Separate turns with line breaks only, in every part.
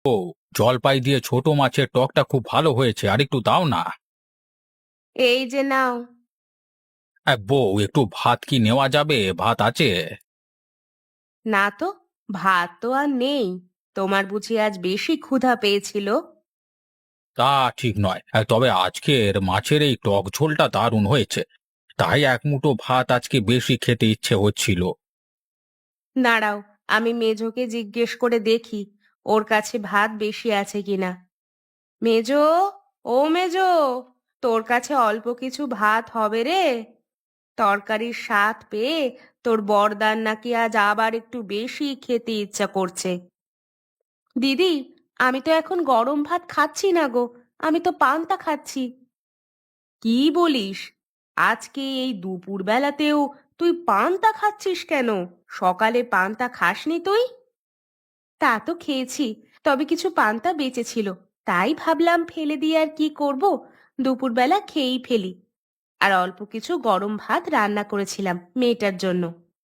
জলপাই দিয়ে ছোট মাছের টকটা খুব ভালো হয়েছে, আর একটু দাও না।
এই যে নাও।
বউ, একটু ভাত কি নেওয়া যাবে? ভাত আছে?
না তো, ভাত তো আর নেই। তোমার বুঝি আজ বেশি ক্ষুধা পেয়েছিল?
তা ঠিক নয়, তবে আজকের মাছের এই টক ঝোলটা দারুণ হয়েছে, তাই এক মুঠো ভাত আজকে বেশি খেতে ইচ্ছে হচ্ছিল।
দাঁড়াও, আমি মেজোকে জিজ্ঞেস করে দেখি ওর কাছে ভাত বেশি আছে কিনা। মেজো, ও মেজো, তোর কাছে অল্প কিছু ভাত হবে রে? তরকারির স্বাদ পেয়ে তোর বরদান নাকি আজ আবার একটু বেশি খেতে ইচ্ছা করছে। দিদি, আমি তো এখন গরম ভাত খাচ্ছি না গো, আমি তো পান্তা খাচ্ছি। কি বলিস? আজকে এই দুপুর বেলাতেও তুই পান্তা খাচ্ছিস কেন? সকালে পান্তা খাসনি তুই? তা তো খেয়েছি, তবে কিছু পান্তা বেঁচে ছিল, তাই ভাবলাম ফেলে দিয়ে আর কি করব, দুপুরবেলা খেয়েই ফেলি। আর অল্প কিছু গরম ভাত রান্না করেছিলাম মেয়েটার জন্য।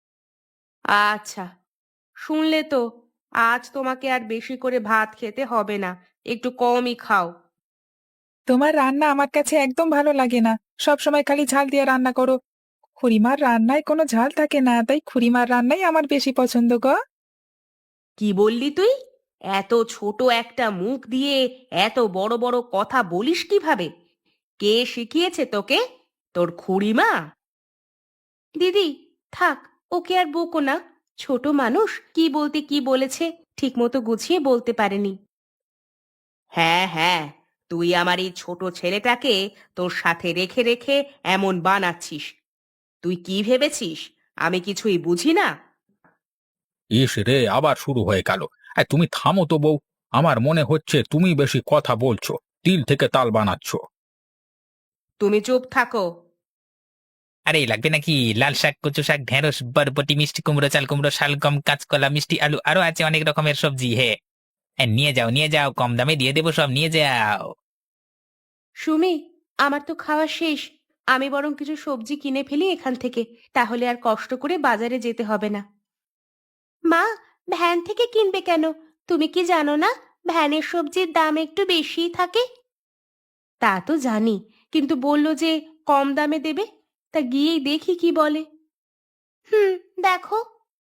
আচ্ছা, শুনলে তো, আজ তোমাকে আর বেশি করে ভাত খেতে হবে না, একটু কমই খাও।
তোমার রান্না আমার কাছে একদম ভালো লাগে না। সব সময় খালি ঝাল দিয়ে রান্না করো। খুড়িমার রান্নায় কোনো ঝাল থাকে না, তাই খুড়িমার রান্নাই আমার বেশি পছন্দ গো।
কি বললি তুই? এত ছোট একটা মুখ দিয়ে এত বড় বড় কথা বলিস কিভাবে? কে শিখিয়েছে তোকে? তোর খুড়িমা? দিদি, থাক, ওকে আর বকো না। ছোট মানুষ কি বলতে কি বলেছে ঠিকমতো গুছিয়ে বলতে পারেনি। হ্যাঁ হ্যাঁ, তুই আমার এই ছোট ছেলেটাকে তোর সাথে রেখে রেখে এমন বানাচ্ছিস। তুই কি ভেবেছিস আমি কিছুই বুঝি না?
ইস রে, আবার শুরু হয়ে গেল। তুমি থামো তো বউ, আমার মনে হচ্ছে তুমি বেশি কথা বলছো, তিল থেকে তাল বানাচ্ছ।
তুমি চুপ থাকো।
আরে লাগবে নাকি? লাল শাক, কচু শাক, ঢেঁড়স, বরবটি, মিষ্টি কুমড়ো, চাল কুমড়ো, শালগম, কাঁচকলা, মিষ্টি আলু, আরো আছে অনেক রকমের সবজি। হে, নিয়ে যাও নিয়ে যাও, কম দামে দিয়ে দেবো, সব নিয়ে যাও।
সুমি, আমার তো খাওয়া শেষ। আমি বরং কিছু সবজি কিনে ফেলি এখান থেকে, তাহলে আর কষ্ট করে বাজারে যেতে হবে না। মা, ভ্যান থেকে কিনবে কেন? তুমি কি জানো না ভ্যানের সবজির দাম একটু বেশিই থাকে? তা তো জানি, কিন্তু বললো যে কম দামে দেবে, তা গিয়েই দেখি কি বলে। হুম, দেখো।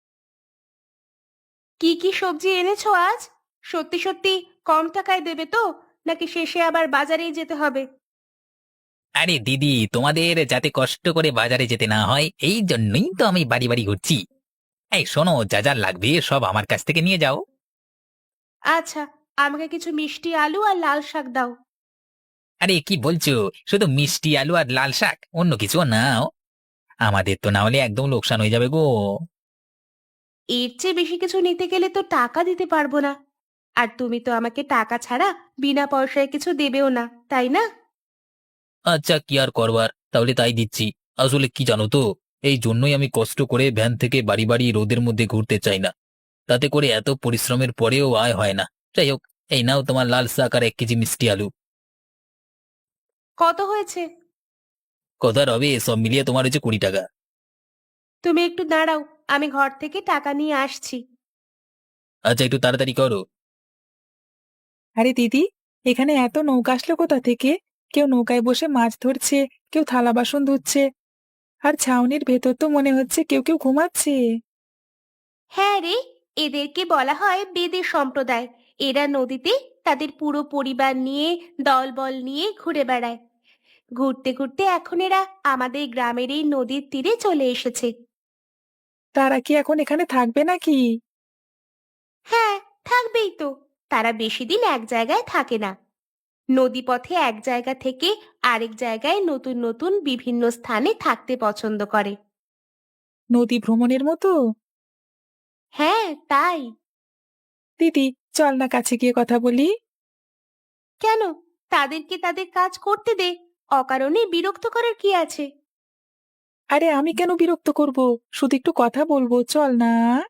কি কি সবজি এনেছো আজ? সত্যি সত্যি কম টাকায় দেবে তো, নাকি শেষে আবার বাজারেই যেতে হবে?
আরে দিদি, তোমাদের যাতে কষ্ট করে বাজারে যেতে না হয় এই জন্যই তো আমি বাড়ি বাড়ি ঘুরছি। এই শোনো, যা যা লাগবে সব আমার কাছ থেকে নিয়ে যাও।
আচ্ছা, আমাকে কিছু মিষ্টি আলু আর লাল শাক দাও।
আরে কি বলছো? শুধু মিষ্টি আলু আর লাল শাক, অন্য কিছু নাও? আমাদের তো না হলে একদম লোকসান হয়ে যাবে গো।
এর চেয়ে বেশি কিছু নিতে গেলে তো টাকা দিতে পারবো না। আর তুমি তো আমাকে টাকা ছাড়া বিনা পয়সায় কিছু দেবেও না, তাই না?
আচ্ছা, কি আর করবার, তাহলে তাই দিচ্ছি। আসলে কি জানো তো, এই জন্যই আমি কষ্ট করে ভ্যান থেকে বাড়ি বাড়ি রোদের মধ্যে ঘুরতে চাই না। তাতে করে এত পরিশ্রমের পরেও আয় হয় না। যাই হোক, এই নাও তোমার লাল শাক আর 1 কেজি মিষ্টি আলু।
কত হয়েছে?
কথা রবে, সব মিলিয়ে তোমার হচ্ছে 20 টাকা।
তুমি একটু দাঁড়াও, আমি ঘর থেকে টাকা নিয়ে আসছি।
আচ্ছা, একটু তাড়াতাড়ি করো।
আরে দিদি, এখানে এত নৌকা আসলো কোথা থেকে? কেউ নৌকায় বসে মাছ ধরছে, কেউ থালা বাসন ধুচ্ছে, আর ছাউনির ভেতর তো মনে হচ্ছে কেউ কেউ ঘুমাচ্ছে।
হ্যাঁ রে, এদেরকে বলা হয় বেদে সম্প্রদায়। এরা নদীতে তাদের পুরো পরিবার নিয়ে, দলবল নিয়ে ঘুরে বেড়ায়। ঘুরতে ঘুরতে এখন এরা আমাদের গ্রামের এই নদীর তীরে চলে এসেছে।
তারা কি এখন এখানে থাকবে নাকি?
হ্যাঁ, থাকবেই তো। তারা বেশি দিন এক জায়গায় থাকে না। নদীপথে এক জায়গা থেকে আরেক জায়গায় নতুন নতুন বিভিন্ন স্থানে থাকতে পছন্দ করে।
নদী ভ্রমণের মতো?
হ্যাঁ, তাই।
দিদি, চল না কাছে গিয়ে কথা বলি।
কেন? তাদেরকে তাদের কাজ করতে দে, অকারণে বিরক্ত করার কি আছে?
আরে আমি কেন বিরক্ত করব? শুধু একটু কথা বলবো, চল না।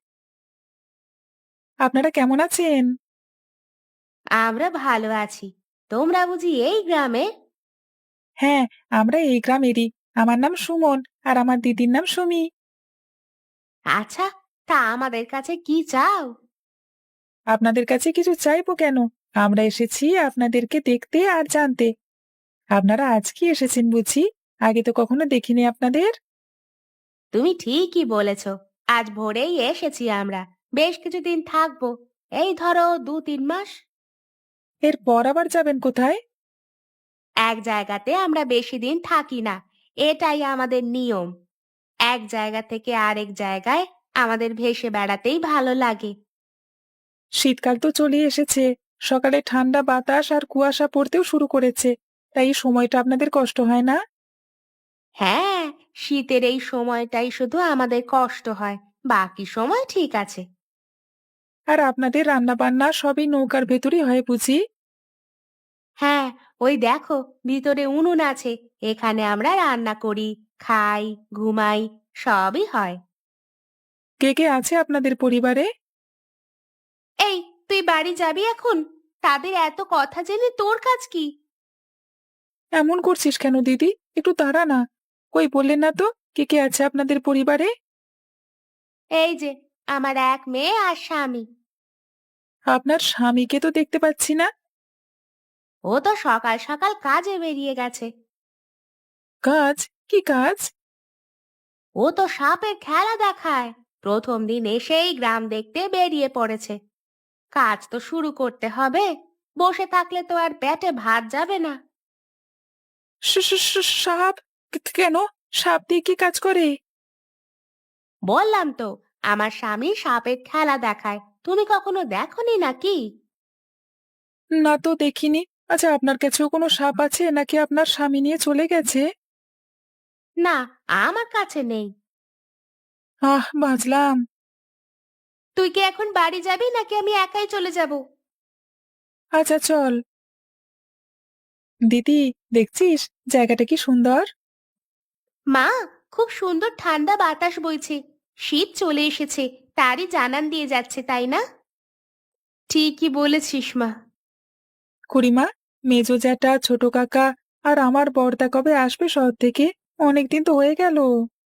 আপনারা কেমন আছেন?
আমরা ভালো আছি। তোমরা বুঝি এই গ্রামে?
হ্যাঁ, আমরা এই গ্রামেরই। আমার নাম সুমন, আর আমার দিদির নাম সুমি।
আচ্ছা, তা আমাদের কাছে কি চাও?
আপনাদের কাছে কিছু চাইবো কেন? আমরা এসেছি আপনাদেরকে দেখতে আর জানতে। আপনারা আজকে এসেছেন বুঝি? আগে তো কখনো দেখিনি আপনাদের।
তুমি ঠিকই বলেছ, আজ ভোরেই এসেছি আমরা। বেশ কিছুদিন থাকবো, এই ধরো 2-3 মাস।
এরপর আবার যাবেন কোথায়?
এক জায়গাতে আমরা বেশি দিন থাকি না, এটাই আমাদের নিয়ম। এক জায়গা থেকে আরেক জায়গায় আমাদের ভেসে বেড়াতেই ভালো লাগে।
শীতকাল তো চলে এসেছে। সকালে ঠান্ডা বাতাস আর কুয়াশা পড়তেও শুরু করেছে। তাই এই সময়টা আপনাদের কষ্ট হয় না?
হ্যাঁ, শীতের এই সময়টাই শুধু আমাদের কষ্ট হয়, বাকি সময় ঠিক আছে।
আর আপনাদের রান্নাবান্না সবই নৌকার ভেতরই হয় বুঝি?
হ্যাঁ, ওই দেখো ভিতরে উনুন আছে, এখানে আমরা রান্না করি, খাই, ঘুমাই, সবই হয়।
কে কে আছে আপনাদের পরিবারে?
এই, তুই বাড়ি যাবি এখন? তাদের এত কথা জেনে তোর কাজ কি?
এমন করছিস কেন দিদি? একটু দাঁড়া না। কই বললেন না তো কে কে আছে আপনাদের পরিবারে?
এই যে, আমার এক মেয়ে আর স্বামী।
আপনার স্বামীকে তো দেখতে পাচ্ছি না।
ও তো সকাল সকাল কাজে বেরিয়ে গেছে।
কাজ? কি কাজ?
ও তো সাপের খেলা দেখায়, প্রথম দিন এসেই গ্রাম দেখতে বেরিয়ে পড়েছে। কাজ তো শুরু করতে হবে, বসে থাকলে তো আর পেটে ভাত যাবে না।
সাপ? কেন? সাপ দিয়ে কি কাজ করে?
বললাম তো, আমার স্বামী সাপের খেলা দেখায়, তুমি কখনো দেখোনি নাকি?
না তো দেখিনি। আচ্ছা, আপনার কাছেও কোনো সাপ আছে নাকি আপনার স্বামী নিয়ে চলে গেছে?
না, আমার কাছে নেই।
বাঁচলাম।
তুই কি এখন বাড়ি যাবি নাকি আমি একাই চলে যাব?
আচ্ছা চল। দিদি, দেখছিস জায়গাটা কি সুন্দর?
মা, খুব সুন্দর ঠান্ডা বাতাস বইছে। শীত চলে এসেছে, তারই জানান দিয়ে যাচ্ছে, তাই না? ঠিকই বলেছিস মা।
খুড়িমা, মেজো জ্যাঠা, ছোট কাকা আর আমার বড়দা কবে আসবে শহর থেকে? অনেকদিন তো হয়ে গেল।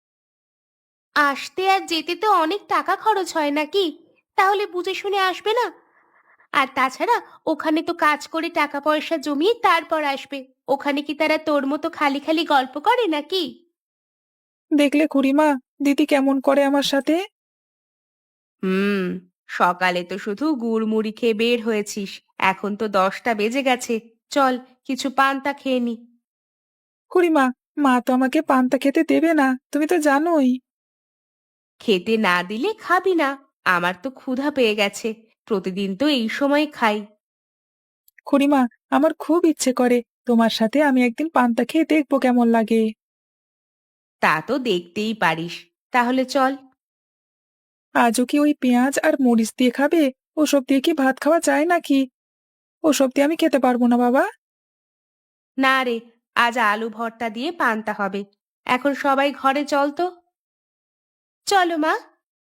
আসতে আর যেতে তো অনেক টাকা খরচ হয় নাকি? তাহলে বুঝে শুনে আসবে না? আর তাছাড়া ওখানে তো কাজ করে টাকা পয়সা জমিয়ে তারপর আসবে। ওখানে কি তারা তোর মতো খালি খালি গল্প করে নাকি?
দেখলে খুড়িমা, দিদি কেমন করে আমার সাথে।
হুম, সকালে তো শুধু গুড় মুড়ি খেয়ে বের হয়েছিস, এখন তো 10টা বেজে গেছে। চল, কিছু পান্তা খেয়ে নি।
খুড়িমা, মা তো আমাকে পান্তা খেতে দেবে না, তুমি তো জানোই।
খেতে না দিলে খাবি না? আমার তো ক্ষুধা পেয়ে গেছে, প্রতিদিন তো এই সময় খাই।
খুড়িমা, আমার খুব ইচ্ছে করে তোমার সাথে আমি একদিন পান্তা খেয়ে দেখবো কেমন লাগে।
তা তো দেখতেই পারিস, তাহলে চল।
আজও কি ওই পেঁয়াজ আর মরিচ দিয়ে খাবে? ওসব দিয়ে কি ভাত খাওয়া যায় নাকি? ওসব দিয়ে আমি খেতে পারবো না বাবা।
না রে, আজ আলু ভর্তা দিয়ে পান্তা হবে। এখন সবাই ঘরে চল তো। চলো মা।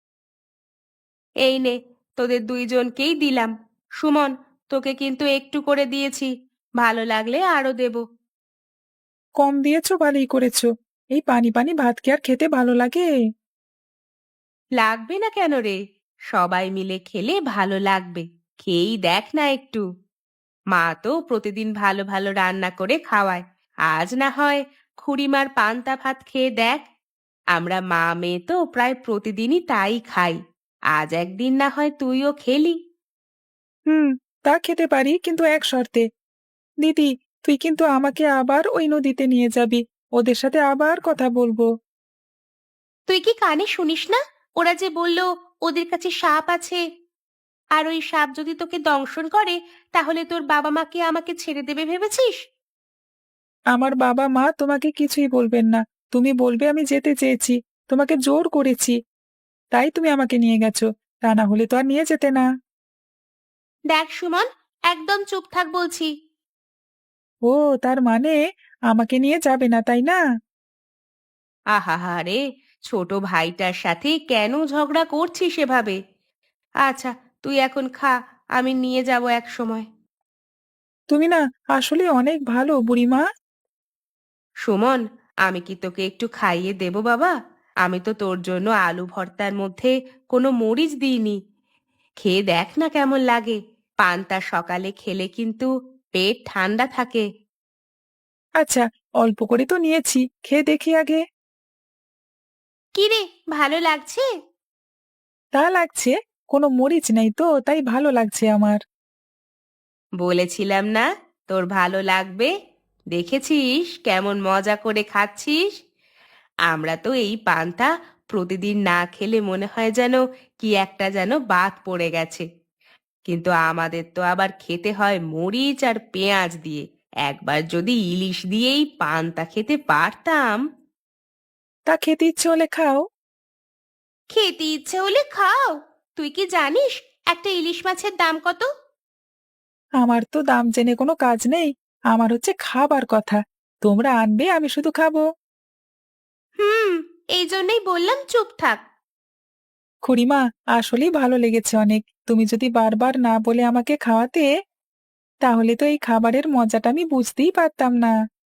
এই নে, তোদের দুইজনকেই দিলাম। সুমন, তোকে কিন্তু একটু করে দিয়েছি, ভালো লাগলে আরো দেব।
কম দিয়েছো, ভালোই করেছো। এই পানি পানি ভাত কি আর খেতে ভালো লাগে?
লাগবে না কেন রে? সবাই মিলে খেলে ভালো লাগবে। খেয়েই দেখ না একটু। মা তো প্রতিদিন ভালো ভালো রান্না করে খাওয়ায়। আজ না হয় খুড়িমার পান্তা ভাত খেয়ে দেখ। আমরা মা মেয়ে তো প্রায় প্রতিদিনই তাই খাই। আজ একদিন না হয় তুইও খেলি।
হুম, তা খেতে পারি, কিন্তু এক শর্তে। দিদি, তুই কিন্তু আমাকে আবার ওই নদীতে নিয়ে যাবি। ওদের সাথে আবার কথা বলবো।
তুই কি কানে শুনিস না? ওরা যে বলল ওদের কাছে সাপ আছে, আর ওই সাপ যদি তোকে দংশন করে তাহলে তোর বাবা মাকে আমাকে ছেড়ে দেবে ভেবেছিস?
আমার বাবা মা তোমাকে কিছুই বলবেন না। তুমি বলবে আমি যেতে চেয়েছি, তোমাকে জোর করেছি, তাই তুমি আমাকে নিয়ে গেছো। তা না হলে তো আর নিয়ে যেতে না।
দেখ সুমন, একদম চুপ থাক বলছি।
ও, তার মানে আমাকে নিয়ে যাবে না, তাই না?
আহা রে, ছোট ভাইটার সাথে কেন ঝগড়া করছিস এভাবে? আচ্ছা, তুই এখন খা, আমি নিয়ে যাব এক সময়।
তুমি না আসলে অনেক ভালো বুড়িমা।
সুমন, আমি কি তোকে একটু খাইয়ে দেব বাবা? আমি তো তোর জন্য আলু ভর্তার মধ্যে কোনো মরিচ দিইনি। খেয়ে দেখ না কেমন লাগে। পান্তা সকালে খেলে কিন্তু পেট ঠান্ডা থাকে।
আচ্ছা, অল্প করে তো নিয়েছি, খেয়ে দেখি আগে।
কি রে, ভালো লাগছে?
তা লাগছে, কোনো মরিচ নেই তো, তাই ভালো লাগছে আমার।
বলেছিলাম না তোর ভালো লাগবে। দেখেছিস কেমন মজা করে খাচ্ছিস। আমরা তো এই পান্তা প্রতিদিন না খেলে মনে হয় যেন কি একটা যেন বাদ পড়ে গেছে। কিন্তু আমাদের তো আবার খেতে হয় মরিচ আর পেঁয়াজ দিয়ে। একবার যদি ইলিশ দিয়েই পান্তা খেতে পারতাম।
তা খেতে ইচ্ছে হলে খাও।
খেতে ইচ্ছে হলে খাও? তুই কি জানিস একটা ইলিশ মাছের দাম কত?
আমার তো দাম জেনে কোনো কাজ নেই, আমার হচ্ছে খাবার কথা। তোমরা আনবে, আমি শুধু খাবো।
হুম, এই জন্যই বললাম চুপ থাক।
খুড়িমা, আসলেই ভালো লেগেছে অনেক। তুমি যদি বারবার না বলে আমাকে খাওয়াতে, তাহলে তো এই খাবারের মজাটা আমি বুঝতেই পারতাম না।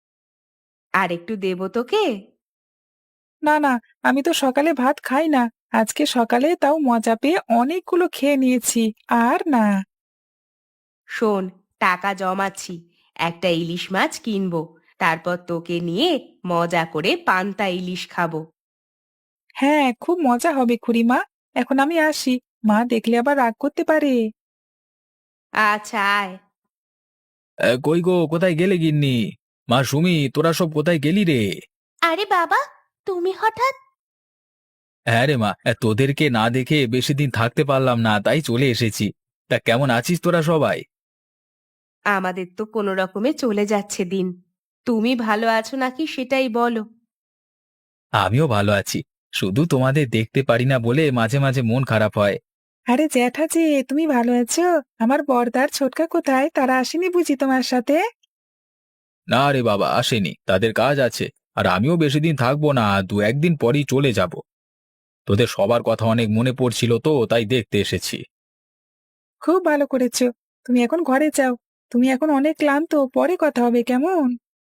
আর একটু দেবো তোকে?
না না, আমি তো সকালে ভাত খাই না। আজকে সকালে তাও মজা পেয়ে অনেকগুলো খেয়ে নিয়েছি। আর না।
শোন, টাকা জমাচ্ছি, একটা ইলিশ মাছ কিনবো। তারপর তোকে নিয়ে মজা করে পান্তা ইলিশ খাবো।
হ্যাঁ, খুব মজা হবে খুড়িমা। এখন আমি আসি, মা দেখলে আবার রাগ করতে পারে।
আচ্ছা, আয়।
কই গো, কোথায় গেলে গিন্নি? মা সুমি, তোরা সব কোথায় গেলি রে?
আরে বাবা, তুমি হঠাৎ?
হ্যাঁ রে মা, তোদেরকে না দেখে বেশি দিন থাকতে পারলাম না, তাই চলে এসেছি। তা কেমন আছিস তোরা সবাই?
আমাদের তো কোনো রকমে চলে যাচ্ছে দিন। তুমি ভালো আছো নাকি সেটাই বলো।
আমিও ভালো আছি। শুধু তোমাদের দেখতে পারি না বলে মাঝে মাঝে মন খারাপ হয়।
আরে জ্যাঠাজি, তুমি ভালো আছো? আমার বড়দার ছোটকা কোথায়? তারা আসেনি বুঝি তোমার সাথে?
না রে বাবা, আসেনি, তাদের কাজ আছে। আর আমিও বেশি দিন থাকবো না, দু একদিন পরই চলে যাব। তোদের সবার কথা অনেক মনে পড়ছিল তো, তাই দেখতে এসেছি।
খুব ভালো করেছো। তুমি এখন ঘরে যাও। তুমি এখন অনেক ক্লান্ত, পরে কথা হবে কেমন?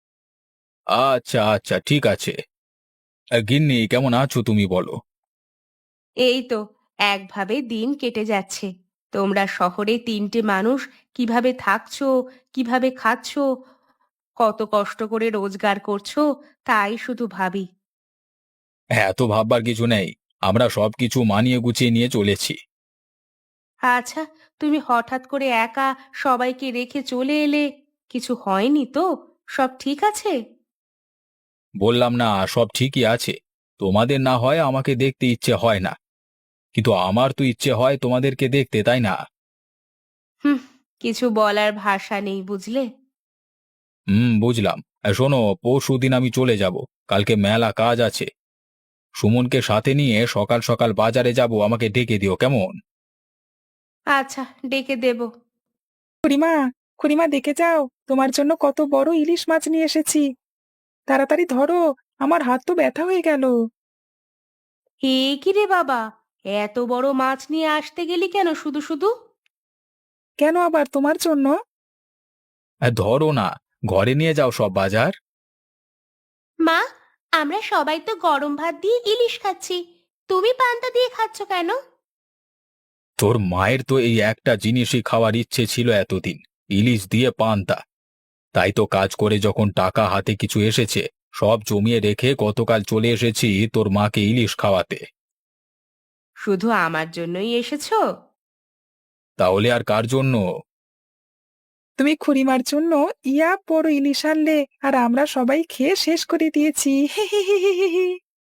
আচ্ছা আচ্ছা, ঠিক আছে। গিন্নি, কেমন আছো তুমি বলো?
এই তো একভাবে দিন কেটে যাচ্ছে। তোমরা শহরে তিনটে মানুষ কিভাবে থাকছো, কিভাবে খাচ্ছো, কত কষ্ট করে রোজগার করছো, তাই শুধু ভাবি।
হ্যাঁ, এত ভাববার কিছু নেই। আমরা সবকিছু মানিয়ে গুছিয়ে নিয়ে চলেছি।
আচ্ছা, তুমি হঠাৎ করে একা সবাইকে রেখে চলে এলে, কিছু হয়নি তো? সব ঠিক আছে?
বললাম না, সব ঠিকই আছে। তোমাদের না হয় আমাকে দেখতে ইচ্ছে হয় না, কিন্তু আমার তো ইচ্ছে হয় তোমাদেরকে দেখতে, তাই না?
হুম, কিছু বলার ভাষা নেই বুঝলে।
বুঝলাম। শোনো, পরশুদিন আমি চলে যাব। কালকে মেলা কাজ আছে। সুমনকে সাথে নিয়ে সকাল সকাল বাজারে যাব, আমাকে ডেকে দিও কেমন?
আচ্ছা, ডেকে দেব।
খুড়িমা, খুড়িমা দেখে যাও, তোমার জন্য কত বড় ইলিশ মাছ নিয়ে এসেছি। তাড়াতাড়ি ধরো, আমার হাত তো ব্যথা হয়ে গেল।
এ কি রে বাবা, এত বড় মাছ নিয়ে আসতে গেলি কেন শুধু শুধু?
কেন আবার তোমার জন্য?
ধরো না, ঘরে নিয়ে যাও সব বাজার।
মা, আমরা সবাই তো গরম ভাত দিয়ে ইলিশ খাচ্ছি, তুমি পান্তা দিয়ে খাচ্ছ কেন?
তোর মায়ের তো এই একটা জিনিসই খাওয়ার ইচ্ছে ছিল এতদিন, ইলিশ দিয়ে পান্তা। তাই তো কাজ করে যখন টাকা হাতে কিছু এসেছে, সব জমিয়ে রেখে গতকাল চলে এসেছি তোর মাকে ইলিশ খাওয়াতে।
শুধু আমার জন্যই এসেছো?
তাহলে আর কার জন্য?
তুমি খুড়িমার জন্য ইয়া বড় ইলিশ আনলে, আর আমরা সবাই খেয়ে শেষ করে দিয়েছি। হি হি হি হি হি হি।